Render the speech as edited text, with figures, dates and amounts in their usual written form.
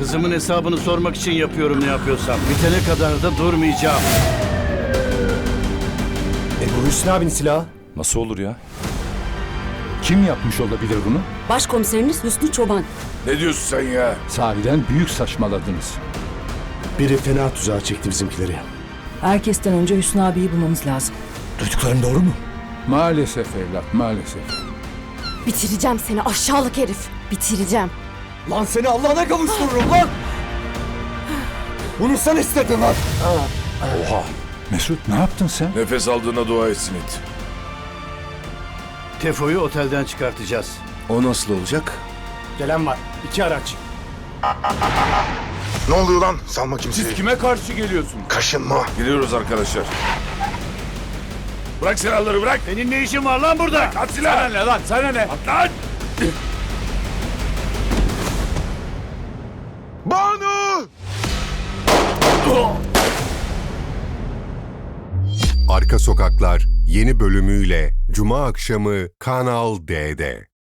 Kızımın hesabını sormak için yapıyorum ne yapıyorsam. Bitene kadar da durmayacağım. Bu Hüsnü abinin silahı. Nasıl olur ya? Kim yapmış olabilir bunu? Başkomiserimiz Hüsnü Çoban. Ne diyorsun sen ya? Sahiden büyük saçmaladınız. Biri fena tuzağa çekti bizimkileri. Herkesten önce Hüsnü abiyi bulmamız lazım. Duyduklarım doğru mu? Maalesef evlat, maalesef. Bitireceğim seni aşağılık herif. Bitireceğim. Lan seni Allah'ına kavuştururum lan! Bunu sen istedin lan! Oha! Mesut ne yaptın sen? Nefes aldığına dua etsin it. Tefo'yu otelden çıkartacağız. O nasıl olacak? Gelen var. 2 araç. Ne oluyor lan? Salma kimseyi. Siz kime karşı geliyorsunuz? Kaşınma. Gidiyoruz arkadaşlar. Bırak silahları bırak. Senin ne işin var lan burada? At silahı. Sana ne lan? Sana ne? At lan. Banu! Arka Sokaklar yeni bölümüyle Cuma akşamı Kanal D'de.